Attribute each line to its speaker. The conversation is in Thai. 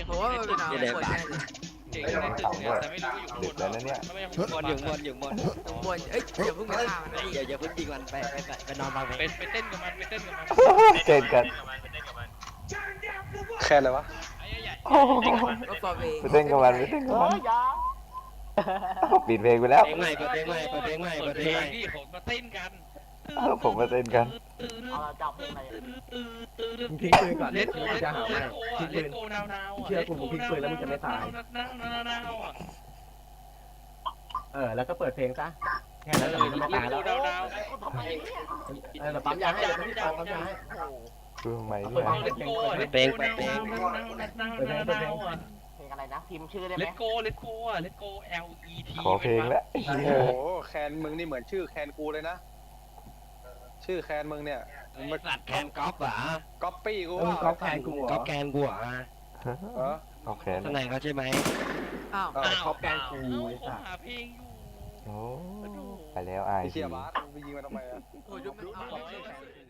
Speaker 1: ผมว่ามันเป็นน้ำบนแน่เลย
Speaker 2: เก่งในตึกเนี่ยแต่ไม่รู้ว่าอยู่ข้างบน
Speaker 3: แล้วนะเนี่ย
Speaker 2: ไม่
Speaker 4: บนอยู่บนอยู่บน
Speaker 1: ข้างบนเอ้ยอย่าเพิ่งไปฆ่ามันนะ
Speaker 4: อย่าเพิ่งยิงมันไปนอนฟังเพลง
Speaker 2: ไปเต้นกับมันไปเต้นกับมัน
Speaker 3: เจนกัน
Speaker 5: แค่อะไรวะ
Speaker 2: ไอ้ใหญ่
Speaker 1: ก็ฟอร์เว
Speaker 3: ไปเต้นกับมันไปเต้นกับมันปิดเพลงไปแล้ว
Speaker 4: เพลงใหม่เปิดเพลงใหม่เปิดเพลงใหม่
Speaker 2: เปิ
Speaker 4: เปิ
Speaker 2: ด
Speaker 4: ด
Speaker 2: เพ
Speaker 4: เพ
Speaker 2: ล
Speaker 4: ลง
Speaker 2: ง
Speaker 4: ใหม่
Speaker 2: ที่ผมมาเต้นกัน
Speaker 3: ผมมาเต้นกัน
Speaker 6: มึงทิ้งปืนก่อน
Speaker 2: เล
Speaker 6: เล่
Speaker 2: ต
Speaker 6: น
Speaker 2: โก
Speaker 6: กู
Speaker 2: เลต
Speaker 6: จะ
Speaker 2: โก
Speaker 6: หา
Speaker 2: เล
Speaker 6: ให้
Speaker 2: ตโก
Speaker 6: ทิ้ง
Speaker 2: เล
Speaker 6: ปื
Speaker 2: ต
Speaker 6: น
Speaker 2: โกนาวๆ
Speaker 6: เชื่อกูมึงทิ้งปืนแล้วมึงจะไม่ตาย
Speaker 2: นาวๆอ่ะ
Speaker 6: แล้วก็เปิดเพลงซะแค่นั้นแหละมึงจะไม่ตายแล้ว
Speaker 2: นาว
Speaker 6: เราปั๊มยาให้เราไม่ปั๊มยาให้
Speaker 3: ดูทำไม
Speaker 6: เอา
Speaker 3: เนี่ย
Speaker 6: ไป
Speaker 2: เลตโกเลตโกนาวๆอ่ะ
Speaker 7: เพลงอะไรนะพิมพ์ชื่อได้ไห
Speaker 2: เล
Speaker 7: ม
Speaker 2: ตโกเลตโกอ่ะเลตโก L E T
Speaker 3: ขอเพลงแล้ว
Speaker 5: โอ้โหแคนมึงนี่เหมือนชื่อแคนกูเลยนะ ชื่อแคนมึงเนี่ยมึงมา
Speaker 4: สัตว์แคนก๊อฟเหรอ
Speaker 5: ก๊อปปี้กู
Speaker 6: มึง
Speaker 5: ว่า
Speaker 6: ก๊อปแทนกูเหร
Speaker 4: ก๊อ
Speaker 6: อ
Speaker 4: ฟแคนกูเหรอ
Speaker 5: เออ
Speaker 3: โอเค
Speaker 4: ข้างในเขาใช่ไหม
Speaker 1: อ้าว
Speaker 6: ก๊อปแกนกูไอ้
Speaker 2: เขา
Speaker 6: สัส
Speaker 2: หาเพลงอยู่
Speaker 3: โอ้ไปแล้วไอ
Speaker 5: ไอ้
Speaker 3: ซี
Speaker 5: เชียบาสมึงไปยิงมันทำไมอะ
Speaker 1: โอ้ยดูมันเอา
Speaker 2: ร้อย